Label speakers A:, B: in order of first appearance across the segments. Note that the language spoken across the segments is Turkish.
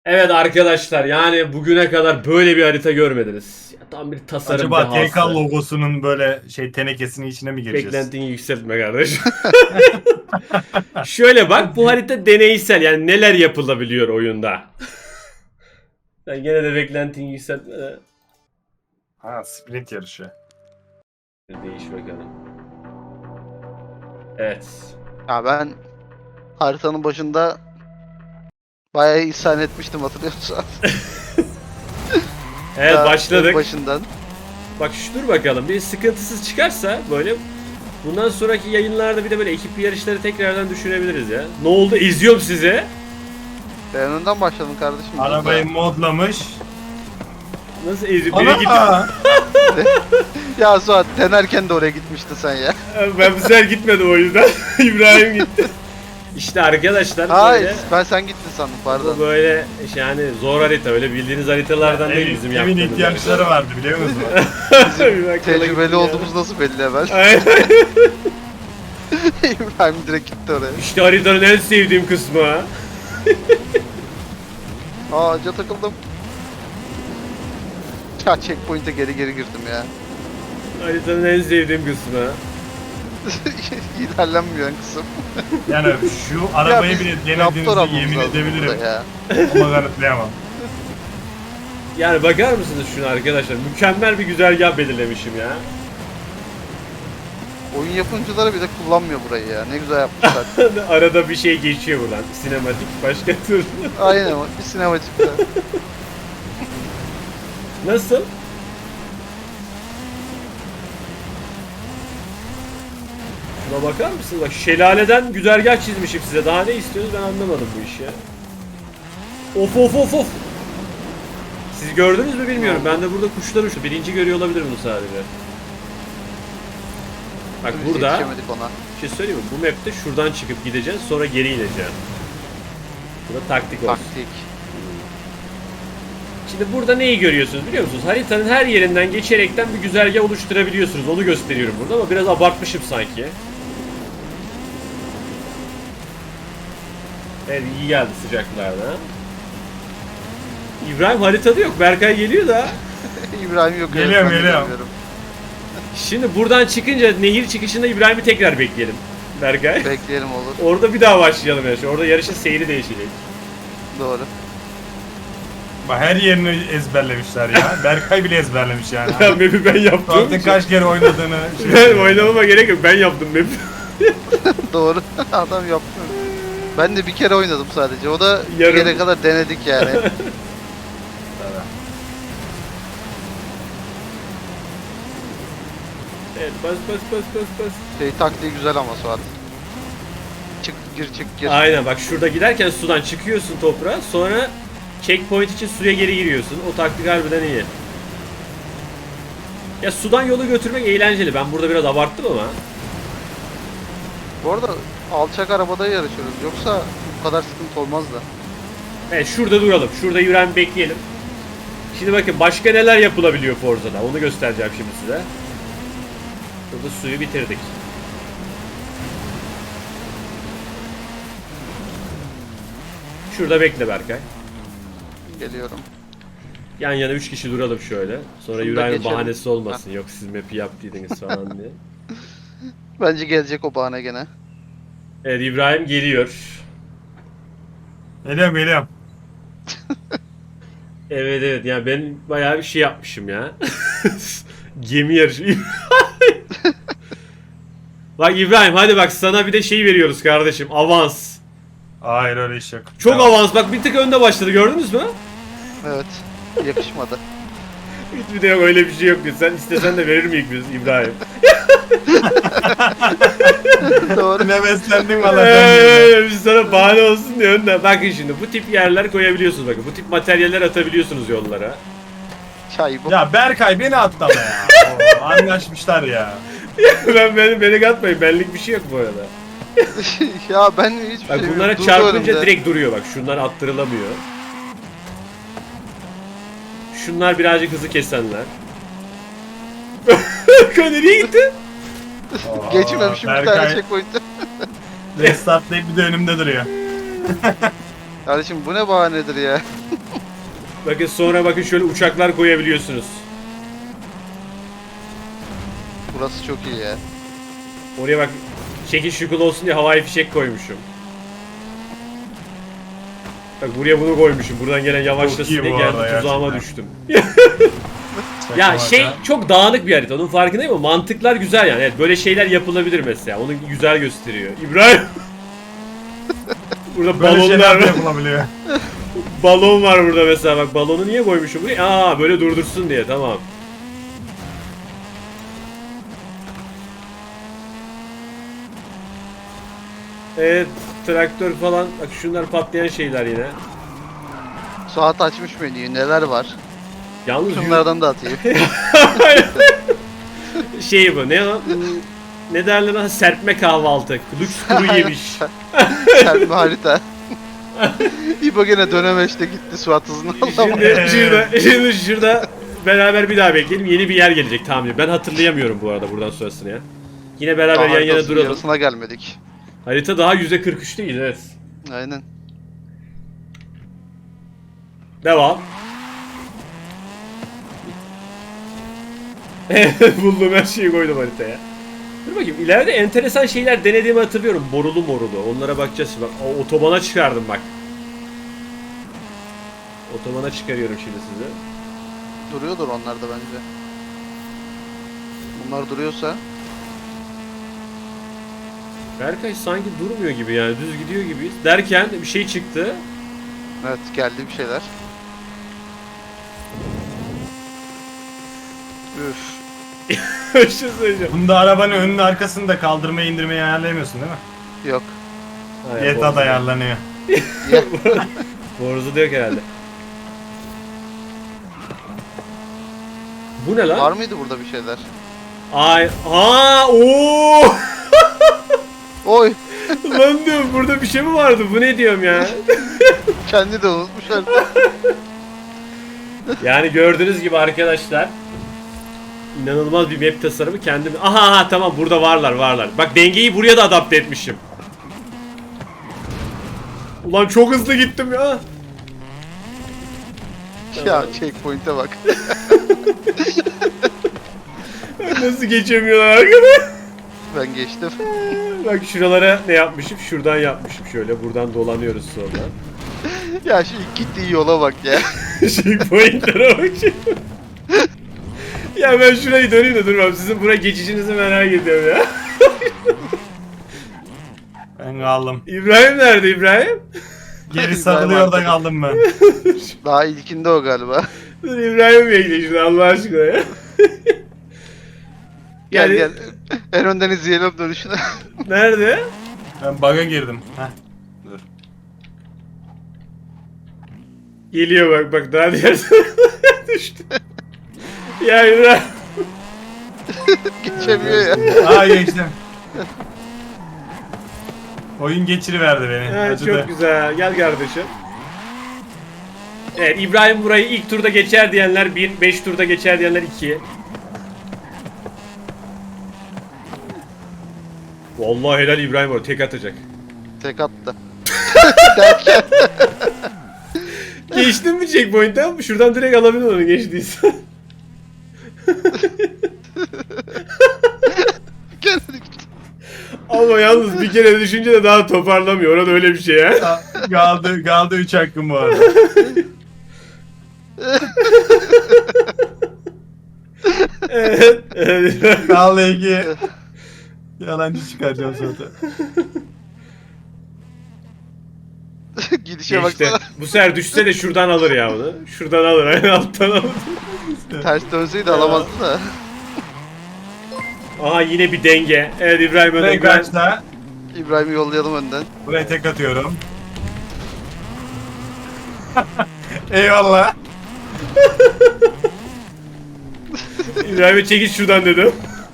A: Evet arkadaşlar, yani bugüne kadar böyle bir harita görmediniz. Ya, tam bir tasarım
B: Acaba TK
A: dehası.
B: logosunun böyle tenekesinin içine mi gireceğiz?
A: Beklentini yükseltme kardeş. Şöyle bak, bu harita deneysel, yani neler yapılabiliyor oyunda. Sen gene de beklentini yükseltme de.
B: Ha, sprint yarışı.
A: Değiş bakalım. Evet.
C: Ya ben haritanın başında bayağı isyan etmiştim, hatırlıyorsun.
A: Evet,
C: Daha
A: başladık.
C: Başından.
A: Bak dur bakalım, bir sıkıntısız çıkarsa böyle bundan sonraki yayınlarda bir de böyle ekip yarışları tekrardan düşünebiliriz ya. Ne oldu? İzliyorum sizi.
C: Ben önden başladım kardeşim.
B: Arabayı modlamış.
A: Nasıl eziyor? Biri gitti.
B: Ana!
C: Ya Suat, denerken de oraya gitmiştin sen ya.
A: Ben bu sefer gitmedim o yüzden. İbrahim gitti. İşte arkadaşlar
C: Hayır,
A: böyle,
C: ben sen gittin sandım,
A: bu
C: pardon.
A: böyle yani zor harita, öyle bildiğiniz haritalardan değil bizim
B: Evin
A: yaptığımız.
B: ihtiyaçları vardı biliyor musun?
A: Bir bak, yola
C: Tecrübeli
A: gittim ya.
C: olduğumuz nasıl belli hemen.
A: Aynen.
C: İbrahim direkt gitti oraya.
A: İşte haritanın en sevdiğim kısmı.
C: Ağaca takıldım. Ya checkpoint'e geri girdim ya.
A: Haritanın en sevdiğim kısmı.
C: İlerlenmiyor kısım.
B: Yani şu arabayı
C: Ya
B: bile
C: biz Raptor
B: denediğinizi
C: almamız
B: yemin
C: lazım
B: edebilirim.
C: burada ya.
B: Ama kanıtlayamam.
A: Yani bakar mısınız şuna arkadaşlar? Mükemmel bir güzergah belirlemişim ya.
C: Oyun yapımcıları bile kullanmıyor burayı ya. Ne güzel yapmışlar.
A: Arada bir şey geçiyor buradan. Sinematik başka tür.
C: Aynen, bir sinematikte.
A: Nasıl? Şuna bakar mısınız? Bak, şelaleden güzergah çizmişim size. Daha ne istiyorsunuz, ben anlamadım bu işi ya. Of of of of. Siz gördünüz mü bilmiyorum. Ben de burada kuşlar uçtu. Birinci görüyor olabilir bunu sadece. Bak
C: Biz
A: burada
C: yetişemedik ona.
A: bir şey söyleyeyim mi? Bu map'te şuradan çıkıp gideceğiz, sonra geri ineceğiz. Bu da taktik olsun.
C: Taktik.
A: Şimdi burada neyi görüyorsunuz biliyor musunuz? Haritanın her yerinden geçerekten bir güzergah oluşturabiliyorsunuz. Onu gösteriyorum burada ama biraz abartmışım sanki. Evet, iyi geldi sıcaklarda. İbrahim haritada yok. Berkay geliyor da.
C: İbrahim yok.
B: Geliyorum,
C: evet, ben de
B: geliyorum.
C: görmüyorum.
A: Şimdi buradan çıkınca nehir çıkışında İbrahim'i tekrar bekleyelim. Berkay.
C: Bekleyelim olur.
A: Orada bir daha başlayalım yarışı. Orada yarışın seyri değişecek.
C: Doğru.
B: Bak her yerini ezberlemişler ya. Berkay bile ezberlemiş yani.
A: Ya map'i ben yaptım.
B: Artık kaç kere oynadığını.
A: Ben oynamama gerek yok. Ben yaptım map'i.
C: Doğru. Adam yaptı. Ben de bir kere oynadım sadece. O da
A: Yarım.
C: bir kere kadar denedik yani.
A: Evet, bas bas bas bas bas.
C: Taktiği güzel ama Suat. Çık gir.
A: Aynen, bak şurada giderken sudan çıkıyorsun toprağa, sonra checkpoint için suya geri giriyorsun. O taktik harbiden iyi. Ya sudan yolu götürmek eğlenceli. Ben burada biraz abarttım ama.
C: Bu arada alçak arabada yarışıyoruz. Yoksa bu kadar sıkıntı olmazdı.
A: Evet, şurada duralım. Şurada İbrahim bekleyelim. Şimdi bakın başka neler yapılabiliyor Forza'da. Onu göstereceğim şimdi size. Burada suyu bitirdik. Şurada bekle Berkay.
C: Geliyorum.
A: Yan yana 3 kişi duralım şöyle. Sonra
C: Şunu da
A: İbrahim'in
C: geçelim.
A: bahanesi olmasın. Yok siz map'i yaptıydınız falan diye.
C: Bence gelecek o bahane gene.
A: Evet, İbrahim geliyor.
B: Geliyorum.
A: Evet evet, yani ben bayağı bir şey yapmışım ya. Gemi yarışı. Bak İbrahim, hadi bak sana bir de şey veriyoruz kardeşim. Avans.
B: Hayır öyle iş yok.
A: Çok
B: Tamam.
A: avans, bak bir tık önde başladı, gördünüz mü?
C: Evet. Yakışmadı.
A: Hiçbir de yok, öyle bir şey yok. Sen istesen de verir miyiz biz İbrahim?
C: Doğru.
B: Ne beslendin valla.
A: Biz sana bahane olsun diye önden. Bakın şimdi bu tip yerler koyabiliyorsunuz, bakın. Bu tip materyaller atabiliyorsunuz yollara.
C: Çay bu.
B: Ya Berkay beni atlama ya. Oo, anlaşmışlar ya.
A: beni katmayın, benlik bir şey yok bu arada.
C: Ya ben hiçbir
A: Bak
C: şey
A: bunlara
C: durdu
A: çarpınca
C: önümde.
A: direkt duruyor, bak şunlar attırılamıyor. Şunlar birazcık hızı kesenler. Nereye gitti?
B: Oo,
C: Geçmemişim bir tane checkpoint'e.
B: Restartlayıp bir de önümde duruyor.
C: Kardeşim bu ne bahanedir ya?
A: Bakın sonra bakın şöyle uçaklar koyabiliyorsunuz.
C: Burası çok iyi ya.
A: Oraya bak şekil şukul olsun diye havai fişek koymuşum. Bak buraya bunu koymuşum. Buradan gelen yavaşlasın
B: Çok iyi
A: diye
B: bu
A: geldi
B: arada
A: tuzağıma
B: gerçekten.
A: düştüm. Ya
B: Şaka
A: şey
B: maka.
A: çok dağınık bir harita. Onun farkındayım ama mantıklar güzel yani. Evet, böyle şeyler yapılabilir mesela. Onu güzel gösteriyor. İbrahim. Burada
B: Böyle şeyler
A: balonlar
B: de
A: var.
B: yapılabiliyor.
A: Balon var burada mesela. Bak balonu niye koymuşum buraya? Aa böyle durdursun diye. Tamam. Evet, traktör falan. Bak şunlar patlayan şeyler yine.
C: Suat açmış menüyü, neler var?
A: Yalnız
C: Şunlardan da atayım.
A: şey bu ne o? Ne derler ona? Serpme kahvaltı. Lüks kuru yemiş.
C: Serpme harita. İbo gene dönemeçte gitti Suat hızını alamadı.
A: Şimdi şurada beraber bir daha bekleyelim. Yeni bir yer gelecek tahminim. Ben hatırlayamıyorum bu arada buradan sonrasını ya. Yine beraber yan yana
C: Haritasının
A: duralım.
C: yarısına gelmedik.
A: Harita daha %43 değil, evet.
C: Aynen.
A: Devam. Buldum, her şeyi koydum haritaya. Dur bakayım, ileride enteresan şeyler denediğimi hatırlıyorum. Borulu morulu. Onlara bakacağız şimdi. Bak, otobana çıkardım bak. Otobana çıkarıyorum şimdi sizi.
C: Duruyordur onlar da bence. Bunlar duruyorsa.
A: Berkay sanki durmuyor gibi yani, düz gidiyor gibiyiz. Derken bir şey çıktı.
C: Evet, geldi bir şeyler. Üf.
A: Bir şey söyleyeceğim.
B: Bunda arabanın önünü arkasını da kaldırmayı indirmeyi ayarlayamıyorsun değil mi?
C: Yok.
B: Yeta da ayarlanıyor.
C: Ya,
A: Boruzu da yok herhalde. Bu ne lan?
C: var mıydı burada bir şeyler?
A: Ay, ooo!
C: Oy!
A: Lan diyorum, burada bir şey mi vardı? Bu ne diyorum ya?
C: Kendi de unutmuş artık.
A: Yani gördüğünüz gibi arkadaşlar, inanılmaz bir map tasarımı kendim. Aha tamam, burada varlar. Bak dengeyi buraya da adapte etmişim. Ulan çok hızlı gittim ya.
C: Ya checkpoint'e bak.
A: Nasıl geçemiyorlar arkadaş?
C: Ben geçtim.
A: Bak şuralara ne yapmışım? Şuradan yapmışım şöyle. Buradan dolanıyoruz sonra.
C: Ya şu ilk gittiği yola bak ya.
A: Checkpoint'lere bak şimdi. Ya ben şurayı döneyim de durmam. Sizin buraya geçişinizi merak ediyorum ya.
B: Ben kaldım.
A: İbrahim nerede İbrahim?
B: Geri sarılıyor da kaldım ben.
C: Daha ilkinde o galiba.
A: Dur İbrahim bekle şimdi Allah aşkına ya.
C: Gel
A: Yani-
C: gel. En önden izleyelim dönüşünü.
A: Nerede?
B: Ben bug'a girdim. Heh. Dur.
A: Geliyor bak daha diğer tarafa düştü. Ya İbrahim.
C: Geçemiyor ya.
B: Aa geçtim. Oyun geçiriverdi beni.
A: Ha,
B: Acıdı.
A: çok güzel. Gel kardeşim. Evet, İbrahim burayı ilk turda geçer diyenler 1, 5 turda geçer diyenler 2. Vallahi helal İbrahim, o tek atacak.
C: Tek attı.
A: Geçtin mi checkpoint'ten? Şuradan direkt alabilir onu geçtiyse.
C: Geldi gitti.
A: Ama yalnız bir kere düşünce de daha toparlamıyor. Orada öyle bir şey ya.
B: Kaldı 3 hakkım bu arada.
A: Evet. Evet.
B: Kaldı 2. Yalancı çıkaracağım sonra.
C: Gidişe
A: Geçti.
C: baksana.
A: Bu sefer düşse de şuradan alır ya onu. Şuradan alır. Aynen alttan alır.
C: Ters dönseydi alamazdı da.
A: Aha yine bir denge. Evet İbrahim önden
B: Ben kaçta?
C: İbrahim'i yollayalım önden.
B: Buraya tek atıyorum. Eyvallah.
A: İbrahim'e çekil şuradan dedim.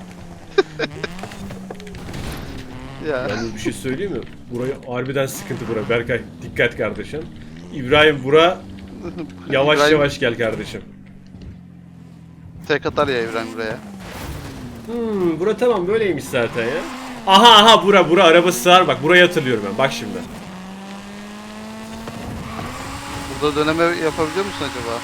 C: Ya.
A: Yalnız bir şey söyleyeyim mi? Burayı harbiden sıkıntı bura. Berkay dikkat kardeşim. İbrahim bura yavaş
C: İbrahim
A: yavaş gel kardeşim.
C: tek atar ya İbrahim buraya.
A: Bura tamam böyleymiş zaten ya. Aha bura araba sığar bak, burayı hatırlıyorum ben bak şimdi.
C: Burada döneme yapabiliyor musun acaba?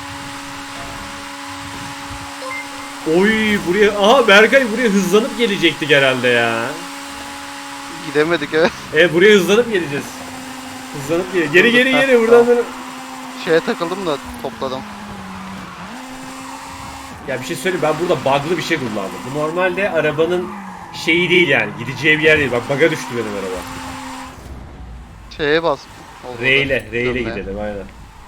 A: Oy buraya, aha Berkay buraya hızlanıp gelecektik herhalde ya.
C: Gidemedik evet.
A: Buraya hızlanıp geleceğiz. Hızlanıp geri buradan böyle.
C: Şeye takıldım da topladım.
A: Ya bir şey söyleyeyim, ben burada bug'lı bir şey kullandım. Bu normalde arabanın şeyi değil yani, gideceği bir yer değil. Bak bug'a düştü benim araba.
C: Şeye bas. Olmadı.
A: R ile
C: Dönmeye.
A: gidelim aynen.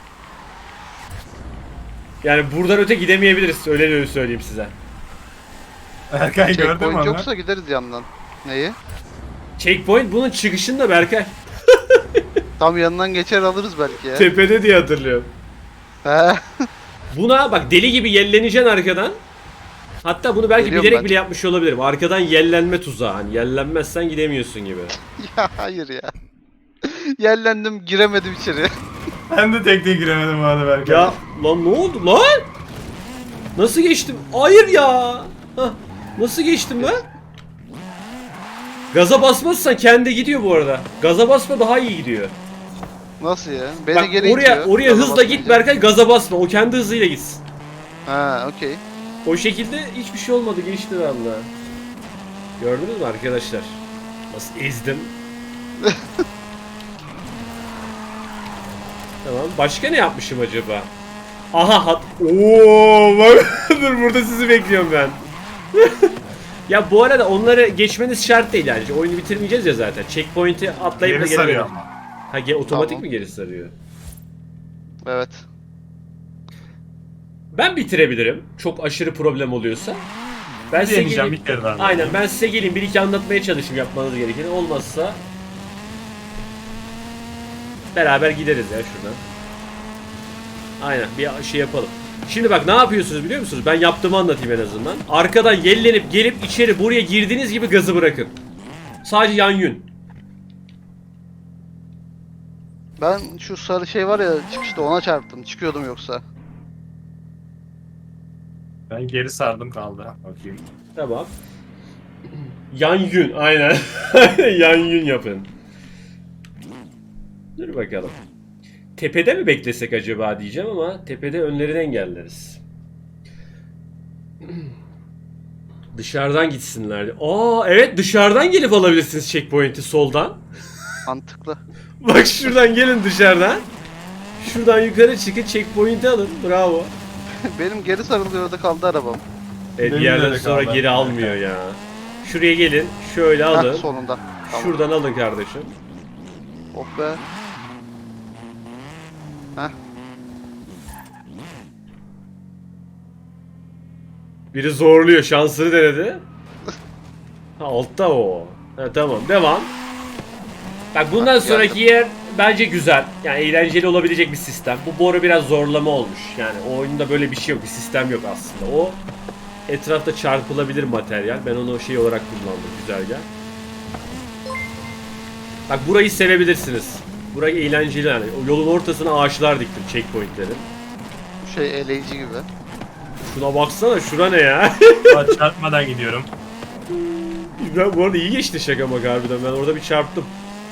A: Yani buradan öte gidemeyebiliriz, öyle söyleyeyim size.
B: Berkay gördün mü
C: Checkpoint
B: onu?
C: yoksa gideriz yandan. Neyi?
A: Checkpoint bunun çıkışında Berkay.
C: Tam yanından geçer alırız belki ya.
A: Tepede diye hatırlıyorum.
C: He.
A: Buna bak deli gibi yelleneceksin arkadan. Hatta bunu belki
C: Geliyorum
A: bilerek
C: ben.
A: bile yapmış olabilirim. Arkadan yellenme tuzağı. Hani yellenmezsen gidemiyorsun gibi.
C: Ya hayır ya. Yerlendim giremedim içeri.
B: Ben de tekneye giremedim bu arada Berkay.
A: Ya lan ne oldu lan? Nasıl geçtim? Hayır ya. Hah, nasıl geçtim ben? Gaza basmazsan kendi gidiyor bu arada. Gaza basma daha iyi gidiyor.
C: Nasıl ya? Beni
A: Bak
C: geri
A: oraya
C: itiyor. Gaza
A: hızla git
C: basmayınca.
A: Berkay, gaza basma. O kendi hızıyla gitsin.
C: Ha okey.
A: O şekilde hiçbir şey olmadı, geçti valla. Gördünüz mü arkadaşlar? Nasıl ezdim? Tamam. Başka ne yapmışım acaba? Aha ooo bak dur burada sizi bekliyorum ben. Ya bu arada onları geçmeniz şart değil yani. Oyunu bitirmeyeceğiz ya zaten. Checkpoint'i atlayıp da
B: Geri sarıyor
A: gelelim.
B: ama.
A: Ha otomatik
C: Tamam.
A: mi geri sarıyor?
C: Evet.
A: Ben bitirebilirim. Çok aşırı problem oluyorsa. Ben size
B: Deneyeceğim
A: geleyim.
B: bir kere daha.
A: Aynen, ben size geleyim bir iki anlatmaya çalışayım yapmanız gerekeni. Olmazsa beraber gideriz ya şuradan. Aynen bir şey yapalım. Şimdi bak ne yapıyorsunuz biliyor musunuz? Ben yaptığımı anlatayım en azından. Arkadan yellenip gelip içeri buraya girdiğiniz gibi gazı bırakın. Sadece yan yün.
C: Ben şu sarı şey var ya çıkışta ona çarptım. Çıkıyordum yoksa.
B: Ben geri sardım kaldı. Bakayım.
A: Tamam. Yan yün aynen. Yan yün yapın. Dur bakalım. Tepede mi beklesek acaba diyeceğim ama tepede önlerini engelleriz. Dışarıdan gitsinler. Aa evet, dışarıdan gelip alabilirsiniz checkpoint'i soldan.
C: Mantıklı.
A: Bak şuradan gelin dışarıdan. Şuradan yukarı çıkın checkpoint'i alın. Bravo.
C: Benim geri sarıldığı orada kaldı arabam.
A: Evet, bir
B: Benim
A: yerden
B: de
A: sonra
B: kaldı.
A: geri almıyor ya. Şuraya gelin. Şöyle alın.
C: Heh, sonunda. Tamam.
A: Şuradan alın kardeşim.
C: Oh be. Heh.
A: Biri zorluyor. Şansını denedi. Ha, altta o. Ha, tamam. Devam. Bak bundan
C: Bak,
A: sonraki yer bence güzel. Yani eğlenceli olabilecek bir sistem. Bu boru biraz zorlama olmuş. Yani o oyunda böyle bir şey yok. Bir sistem yok aslında. O etrafta çarpılabilir materyal. Ben onu şey olarak kullandım. Güzergah. Bak burayı sevebilirsiniz. Burayı eğlenceli yani. O yolun ortasına ağaçlar diktim checkpointlerin.
C: Bu şey eleyici gibi.
A: Şuna baksana, şura ne ya?
B: Aa, çarpmadan gidiyorum.
A: Ben bu arada iyi geçti şaka maka harbiden. Ben orada bir çarptım.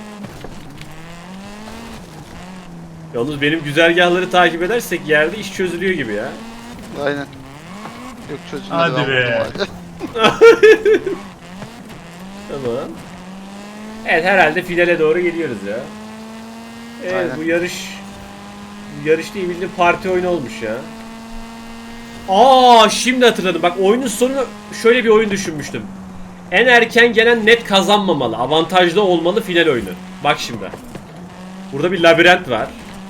A: Yalnız benim güzergahları takip edersek yerde iş çözülüyor gibi ya.
C: Aynen. Yok çözülmedi.
B: Hadi
C: ben
B: be.
C: vurdum hala.
A: Tamam. Evet, herhalde finale doğru geliyoruz ya. Evet,
C: Aynen.
A: bu yarış değil, bildiğin parti oyunu olmuş ya. Aa, şimdi hatırladım. Bak oyunun sonunu şöyle bir oyun düşünmüştüm. En erken gelen net kazanmamalı. Avantajlı olmalı final oyunu. Bak şimdi. Burada bir labirent var.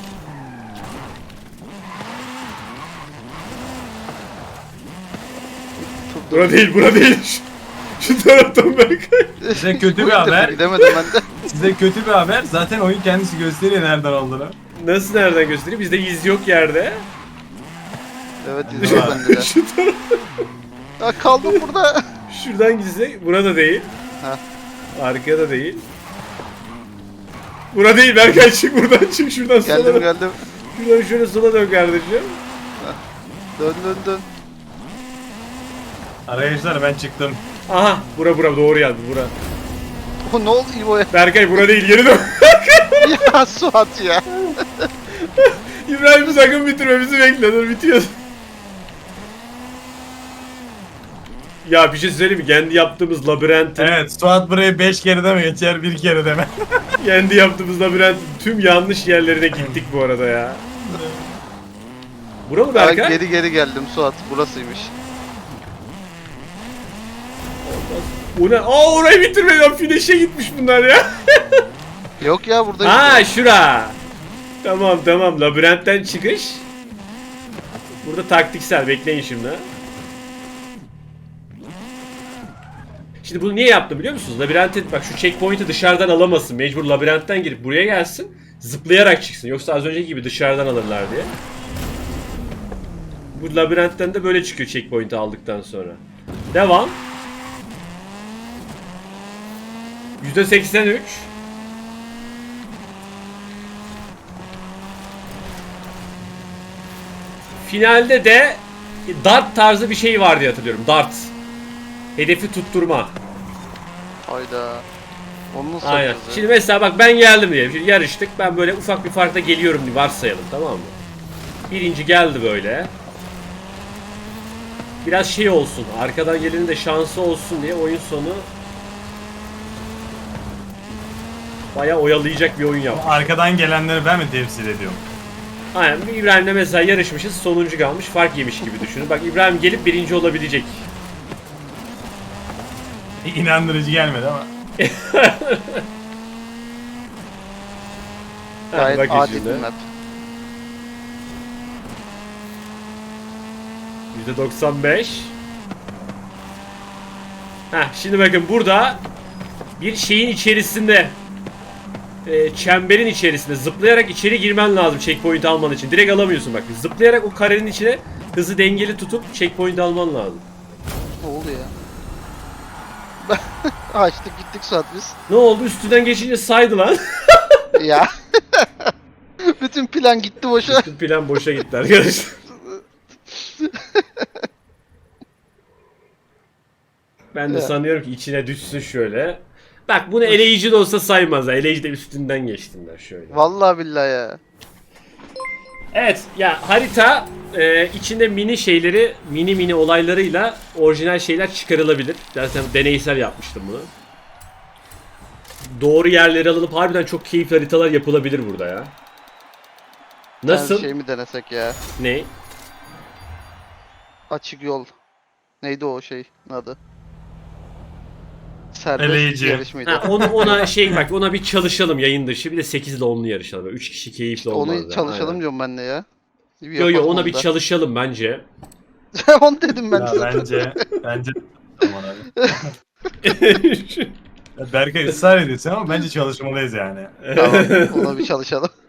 A: Bura değil, bura değil. Şu taraftan Berkay.
B: Size kötü bir
C: Bu ilk defa
B: haber.
C: Gidemedim ben de.
B: Size kötü bir haber. Zaten oyun kendisi gösteriyor nereden olduğunu.
A: Nasıl, nereden göstereyim? Bizde iz yok yerde.
C: Evet izliyor bende de.
A: Şu taraf.
C: Ya kaldım burada.
A: Şuradan gitsek, burada değil.
C: Ha.
A: Arkada değil. Bura değil, Berkay çık buradan, çık şuradan sola
C: Geldim
A: dön.
C: geldim.
A: Şuradan şöyle sola dön kardeşim.
C: Dön dön dön.
B: Arkadaşlar ben çıktım.
A: Aha, bura doğru geldi bura.
C: Oh, ne oldu İbo'ya?
A: Berkay bura değil, geri dön.
C: Ya Suat ya.
A: İbrahim'i sakın bitirme, bizi bekle, dur bitiyor. Ya bir şey söyleyeyim mi? Kendi yaptığımız labirentin,
B: Evet, Suat burayı 5 kere de mi geçer, 1 kere de mi?
A: kendi yaptığımız labirentin tüm yanlış yerlerine gittik bu arada ya. Bura mı
C: Ay,
A: Berkay?
C: geri geldim Suat. Burasıymış.
A: O ne? Aa, orayı bitirmeden finish'e gitmiş bunlar ya.
C: Yok ya buradayım.
A: Ha, şura. Tamam tamam, labirentten çıkış. Burada taktiksel, bekleyin şimdi. Şimdi bunu niye yaptım biliyor musunuz? Labirentin, bak şu checkpoint'i dışarıdan alamasın. Mecbur labirentten girip buraya gelsin. Zıplayarak çıksın. Yoksa az önceki gibi dışarıdan alırlar diye. Bu labirentten de böyle çıkıyor checkpoint'i aldıktan sonra. Devam. %83. Finalde de dart tarzı bir şey var diye hatırlıyorum. Dart. Hedefi tutturma.
C: Hayda. Onu nasıl
A: Aynen.
C: yapacağız ya?
A: Şimdi mesela bak, ben geldim diyelim. Şimdi yarıştık. Ben böyle ufak bir farkla geliyorum diye varsayalım, tamam mı? Birinci geldi böyle. Biraz şey olsun. Arkadan gelenin de şansı olsun diye oyun sonu bayağı oyalayacak bir oyun yaptım.
B: Arkadan gelenleri ben mi temsil ediyorum?
A: Aynen. İbrahim'le mesela yarışmışız. Sonuncu kalmış. Fark yemiş gibi düşünün. Bak, İbrahim gelip birinci olabilecek.
B: İnandırıcı gelmedi ama.
C: Gayet
A: bakın
C: adil
A: şimdi.
C: bir map.
A: %95. Şimdi bakın burada bir şeyin içerisinde, çemberin içerisinde zıplayarak içeri girmen lazım checkpoint alman için. Direkt alamıyorsun bak. Zıplayarak o karenin içine hızı dengeli tutup checkpoint alman lazım.
C: Ne oldu ya? Açtık gittik Suat biz.
A: Ne oldu? Üstünden geçince saydı lan.
C: Ya. Bütün plan gitti boşa.
A: Bütün plan boşa gitti arkadaşlar. Ben de
C: Ya.
A: sanıyorum ki içine düşsün şöyle. Bak, bunu eleyici de olsa saymaz ha. Eleyici de üstünden geçtiler şöyle.
C: Vallahi billahi ya.
A: Evet ya, harita içinde mini şeyleri, mini olaylarıyla orijinal şeyler çıkarılabilir. Zaten deneysel yapmıştım bunu. Doğru yerleri alınıp harbiden çok keyifli haritalar yapılabilir burada ya. Nasıl?
C: Bir şey mi denesek ya?
A: Ne?
C: Açık yol. Neydi o şey adı? Serbest
B: Eleyici.
C: yarış mıydı?
A: Ona şey, bak, ona bir çalışalım yayın dışı. Bir de 8 ile 10'lu yarışalım. 3 kişi keyifli olmaz.
C: Onu çalışalım diyorum ben de ya. Bir
A: Yo
C: yapalım
A: ona
C: onu
A: bir
C: da.
A: çalışalım bence.
C: Onu dedim ben
B: Ya
C: zaten.
B: bence Aman abi. Berkay ısrar ediyorsun ama bence çalışmalıyız yani.
C: Tamam, ona bir çalışalım.